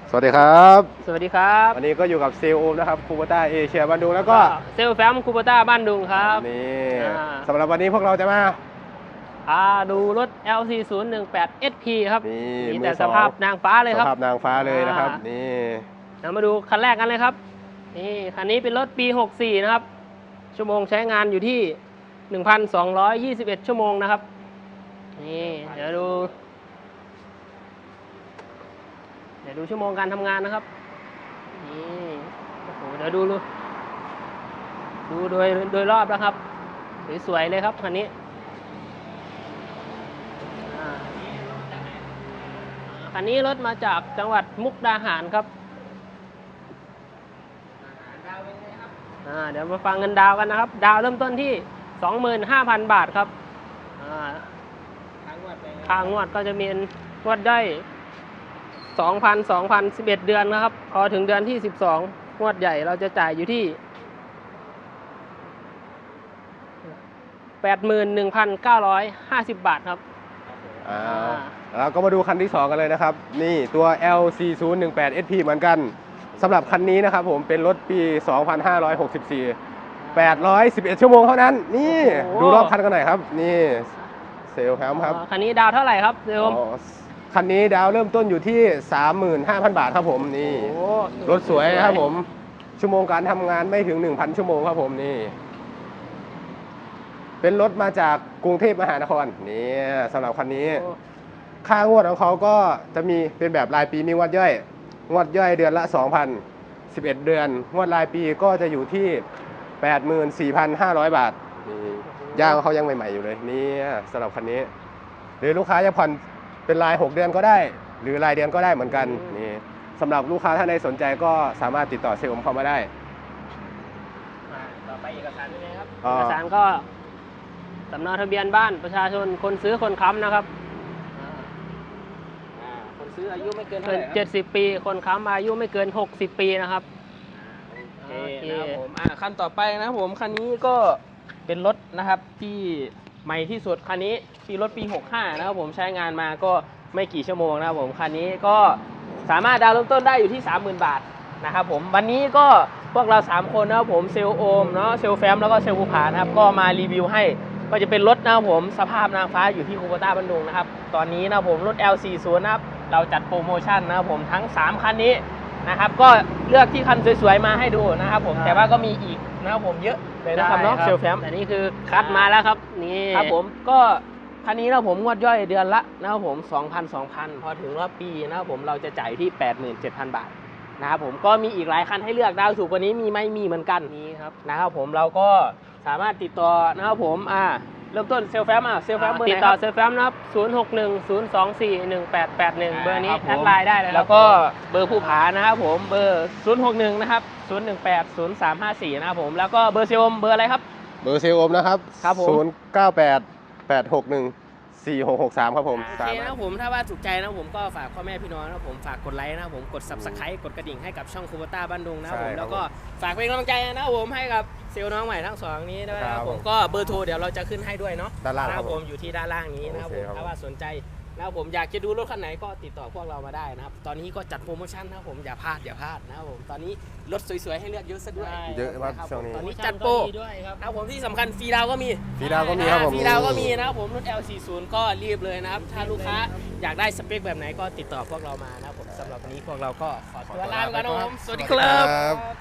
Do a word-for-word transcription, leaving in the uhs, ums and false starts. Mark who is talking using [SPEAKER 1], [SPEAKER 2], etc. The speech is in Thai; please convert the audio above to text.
[SPEAKER 1] สวัสดีครับ
[SPEAKER 2] สวัสดีครับ
[SPEAKER 1] วันนี้ก็อยู่กับเซลล์โอมนะครับคูโบต้าเอเชียบ้านดุงแล้วก็
[SPEAKER 2] เซลแฟมคูโบต้าบ้านดุงครับ
[SPEAKER 1] นี่
[SPEAKER 2] อ่า
[SPEAKER 1] สำหรับวันนี้พวกเราจะมา
[SPEAKER 2] พาดูรถ แอล ซี ศูนย์ หนึ่ง แปด เอส พี ครับ
[SPEAKER 1] นี่
[SPEAKER 2] มี
[SPEAKER 1] มื
[SPEAKER 2] แต่
[SPEAKER 1] อ
[SPEAKER 2] ส
[SPEAKER 1] สอง
[SPEAKER 2] ภาพนางฟ้าเลย
[SPEAKER 1] ส
[SPEAKER 2] ครับ
[SPEAKER 1] ภาพนางฟ้าเลยนะครับ
[SPEAKER 2] อ่านี่
[SPEAKER 1] นี่
[SPEAKER 2] เรามาดูคันแรกกันเลยครับนี่คันนี้เป็นรถปี หกสี่ นะครับ ชั่วโมงใช้งานอยู่ที่ หนึ่งพันสองร้อยยี่สิบเอ็ด ชั่วโมงนะครับนี่เดี๋ยวดูเดี๋ยวดูชั่วโมงการทำงานนะครับนี่โอ้โหเดี๋ยวดูดูดูโดยโดยรอบแล้วครับสวยๆเลยครับคันนี้อ่าคันนี้รถมาจากจังหวัดมุกดาหารครับอ่าเดี๋ยวมาฟังเงินดาวกันนะครับ ดาวเริ่มต้นที่ สองหมื่นห้าพัน บาทครับอ่าค่างวดก็จะมีงวดได้สองพัน สองพัน สิบเอ็ด เดือนนะครับ พอถึงเดือนที่สิบสองงวดใหญ่เราจะจ่ายอยู่ที่ แปดหมื่นหนึ่งพันเก้าร้อยห้าสิบ บาทครับ
[SPEAKER 1] อ่าเราก็มาดูคันที่สองกันเลยนะครับ นี่ตัว แอล ซี ศูนย์ หนึ่ง แปด เอส พี เหมือนกันสำหรับคันนี้นะครับผมเป็นรถปี สองพันห้าร้อยหกสิบสี่ แปดร้อยสิบเอ็ด ชั่วโมงเท่านั้น นี่
[SPEAKER 2] โอ้โห
[SPEAKER 1] ดูรอบคันกันหน่อยครับ นี่เซลล์แฮมครับ
[SPEAKER 2] อ่าคันนี้ดาวเท่าไหร่ครับเดิม
[SPEAKER 1] อ๋อคันนี้ดาวเริ่มต้นอยู่ที่ สามหมื่นห้าพัน บาทครับผมนี่
[SPEAKER 2] โอ้โห
[SPEAKER 1] รถสวยครับผมชั่วโมงการทำงานไม่ถึง หนึ่งพัน ชั่วโมงครับผมนี่เป็นรถมาจากกรุงเทพมหานครนี่สำหรับคันนี้
[SPEAKER 2] โอ้
[SPEAKER 1] ค่างวดของเขาก็จะมีเป็นแบบรายปีมีงวดย่อยงวดย่อยเดือนละ สองพัน สิบเอ็ด เดือนงวดรายปีก็จะอยู่ที่ แปดหมื่นสี่พันห้าร้อย บาทนี่ยางเขายังใหม่ๆอยู่เลยนี่สำหรับคันนี้หรือลูกค้าจะผ่อนเป็นราย หก เดือนก็ได้ หรือรายเดือนก็ได้เหมือนกันนี่สำหรับลูกค้าท่านใดสนใจก็สามารถติดต่อเซลล์ผมเข้ามาได้
[SPEAKER 2] อ่าต่อไปเอกสารเป็นไงครับ
[SPEAKER 1] อ่า
[SPEAKER 2] เอกสารก็สำเนาทะเบียนบ้านประชาชนคนซื้อคนค้ำนะครับอ่า
[SPEAKER 3] อ่าคนซื้ออายุไม่เกินเท่า
[SPEAKER 2] เกิ
[SPEAKER 3] ไห
[SPEAKER 2] น
[SPEAKER 3] ร่ครับ
[SPEAKER 2] เจ็ดสิบปีคนค้ำอายุไม่เกินหกสิบปีนะครับ
[SPEAKER 3] โอเค
[SPEAKER 2] โอเค
[SPEAKER 3] นะครับผมอ่าคันต่อไปนะครับผมคันนี้ก็เป็นรถนะครับที่ใหม่ที่สุดคันนี้ปีรถปีหกห้านะครับผมใช้งานมาก็ไม่กี่ชั่วโมงนะครับผมคันนี้ก็สามารถดาวน์เริ่มต้นได้อยู่ที่ สามหมื่น บาทนะครับผมวันนี้ก็พวกเราสามคนนะครับผมเซลล์โอมเนาะเซลล์แฟมแล้วก็เซลล์ภูผานะครับก็มารีวิวให้ก็จะเป็นรถนะครับผมสภาพนางฟ้าอยู่ที่คูโบต้าบันดุงนะครับตอนนี้นะครับผมรถ แอล ซี ศูนย์ นะครับเราจัดโปรโมชั่นนะครับผมทั้งสามคันนี้นะครับก็เลือกที่คันสวยๆมาให้ดูนะครับผมแต่ว่าก็มีอีกนะครับผมเยอะเลยนะครับเนาะ
[SPEAKER 2] ได้
[SPEAKER 3] เซลล์แฟม
[SPEAKER 2] แต่นี่คือคัดมาแล้วครับนี่
[SPEAKER 3] ครับผมก็คันนี้นะผมงวดย่อยเดือนละนะครับผม สองพัน สองพัน พอถึงรอบปีนะครับผมเราจะจ่ายที่ แปดหมื่นเจ็ดพัน บาทนะครับผมก็มีอีกหลายคันให้เลือกดาวถูกกว่านี้มีไหมมีเหมือนกัน
[SPEAKER 2] นี่ครับ
[SPEAKER 3] นะครับผมเราก็สามารถติดต่อนะครับผมอ่าเริ่มต้นเซลล์แฟมอ่ะเซลล์แฟมเบอร์ไห
[SPEAKER 2] ติด
[SPEAKER 3] น
[SPEAKER 2] ต่อ
[SPEAKER 3] ครับ
[SPEAKER 2] เซลแฟมนะครับ ศูนย์ หก หนึ่ง ศูนย์ สอง สี่ หนึ่ง แปด แปด หนึ่ง เบอร์นี้
[SPEAKER 3] ครับผม
[SPEAKER 2] แอดไลน์ได้เลยครับ
[SPEAKER 3] แล้วก็เบอร์ผู้ผานะครับผมเบอร์ ศูนย์ หก หนึ่ง นะครับ ศูนย์ หนึ่ง แปด ศูนย์ สาม ห้า สี่ นะครับผมแล้วก็เบอร์เซลล์เบอร์อะไรครับ
[SPEAKER 1] เบอร์เซลล์โอมนะครับ
[SPEAKER 3] ครับผม
[SPEAKER 1] ศูนย์ เก้า แปด แปด หก หนึ่ง สี่ หก หก สามครับผม
[SPEAKER 3] โอ
[SPEAKER 1] สา
[SPEAKER 3] เค
[SPEAKER 1] มาร
[SPEAKER 3] นะ
[SPEAKER 1] ถ
[SPEAKER 3] ผมถ้าว่าถูกใจนะผมก็ฝากพ่อแม่พี่น้องนะผมฝากกดไลค์นะผมกด Subscribe กดกระดิ่งให้กับช่องคูโบต้าบ้านดุงนะ
[SPEAKER 1] ใช่
[SPEAKER 3] ผม
[SPEAKER 1] ครับ
[SPEAKER 3] แล้วก็ฝากเป็นกำลังใจนะผมให้กับเซลล์น้องใหม่ทั้งสองนี้ด้วยนะค
[SPEAKER 1] ครั
[SPEAKER 3] รับบ ผ
[SPEAKER 1] ผม ม
[SPEAKER 3] ก็เบอร์โทรเดี๋ยวเราจะขึ้นให้ด้วยเนาะ
[SPEAKER 1] ด้านล่าง
[SPEAKER 3] นะ
[SPEAKER 1] ค
[SPEAKER 3] ค
[SPEAKER 1] รั
[SPEAKER 3] รั
[SPEAKER 1] บบ ผ
[SPEAKER 3] ผม มอยู่ที่ด้านล่างนี้นะครับ
[SPEAKER 1] โอ
[SPEAKER 3] ผ
[SPEAKER 1] เค
[SPEAKER 3] ม
[SPEAKER 1] ครับ
[SPEAKER 3] ถ้าว่าสนใจนะครับผมอยากจะดูรถคันไหนก็ติดต่อพวกเรามาได้นะครับตอนนี้ก็จัดโปรโมชั่นนะครับผมอย่าพลาดอย่าพลาดนะครับผมตอนนี้รถสวยๆให้เลือกเยอะซะด้วย
[SPEAKER 1] เยอะมาก
[SPEAKER 3] นะครับ
[SPEAKER 1] ช่วงนี้
[SPEAKER 3] ตอนนี้จัดโปร
[SPEAKER 2] ดีด้วยครับ
[SPEAKER 3] นะครับผมที่สำคัญฟรีดาวน์ก็มี
[SPEAKER 1] ฟรีดาวน์ก็มีครับผม
[SPEAKER 3] ฟรีดาวน์ก็มีนะครับผมรุ่น แอล สี่สิบ ก็รีบเลยนะครับ ถ้าลูกค้าอยากได้สเปคแบบไหนก็ติดต่อพวกเรามานะครับผมสำหรับวันนี้พวกเราก็ขอตัวลาไปก่อนนะครับผม สวัสดีครับ
[SPEAKER 1] ครับ